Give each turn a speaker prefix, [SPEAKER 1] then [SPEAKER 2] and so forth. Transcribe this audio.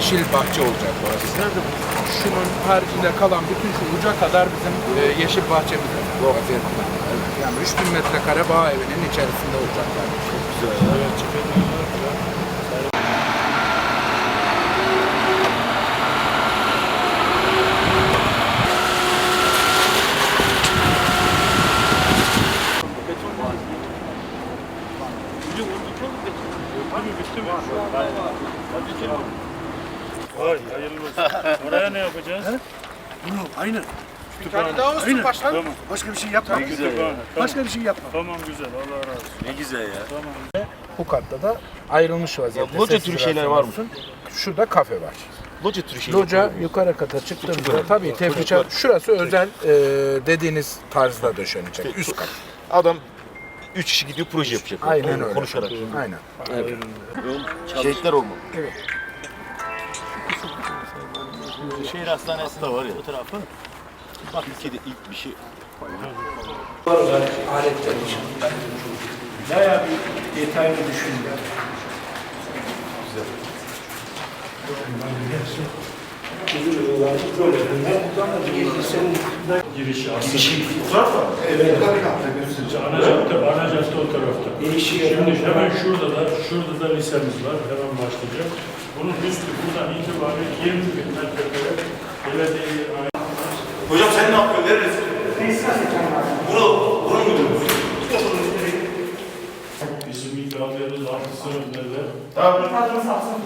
[SPEAKER 1] yeşil bahçe olacak burası. Şunun haricinde kalan bütün şu uca kadar bizim yeşil bahçemiz vaziyette. Evet. Yani 3000 metrekare bağ evinin içerisinde olacaklar. Çok güzel. Evet,
[SPEAKER 2] Vay, hayırlı olsun. Oraya ne yapacağız?
[SPEAKER 3] Bunu aynı.
[SPEAKER 1] bir tane daha olsun başkanım.
[SPEAKER 2] Tamam.
[SPEAKER 3] Başka bir şey yapma. Başka bir şey yapma.
[SPEAKER 2] Tamam güzel, Allah razı olsun.
[SPEAKER 4] Ne güzel ya.
[SPEAKER 2] Tamam.
[SPEAKER 1] Bu katta da ayrılmış vaziyette.
[SPEAKER 4] Loca
[SPEAKER 1] Sessiz
[SPEAKER 4] türü şeyler var mı?
[SPEAKER 1] olsun. Şurada kafe var.
[SPEAKER 4] Loca türü şeyler.
[SPEAKER 1] Loca yukarı kata çıktığımızda tabii tefriçe şurası özel dediğiniz tarzda döşenecek. Üst kat.
[SPEAKER 4] Adam 3 kişi gidiyor proje yapacak.
[SPEAKER 1] Aynen öyle.
[SPEAKER 4] Konuşarak.
[SPEAKER 1] Aynen.
[SPEAKER 4] Şehitler olmalı.
[SPEAKER 5] Şehir hastanesi
[SPEAKER 4] Da var ya.
[SPEAKER 5] bu tarafı.
[SPEAKER 4] Bak Türkiye'de ilk bir şey.
[SPEAKER 1] Aletler için.
[SPEAKER 3] Bayağı bir detaylı düşündüm.
[SPEAKER 2] Girişi aslında. Evet. Ana cadde o tarafta. Şimdi hemen şurada da lisemiz var. Hemen başlayacak. Bunun üstü buradan itibaren 20 bin metrekare belediyeye ait.
[SPEAKER 4] Hocam sen ne yapıyorsun? Neredesin? Bunun müdürü.
[SPEAKER 2] Bizim ilk aldığımız 6 sınıf neler?
[SPEAKER 4] Tamam.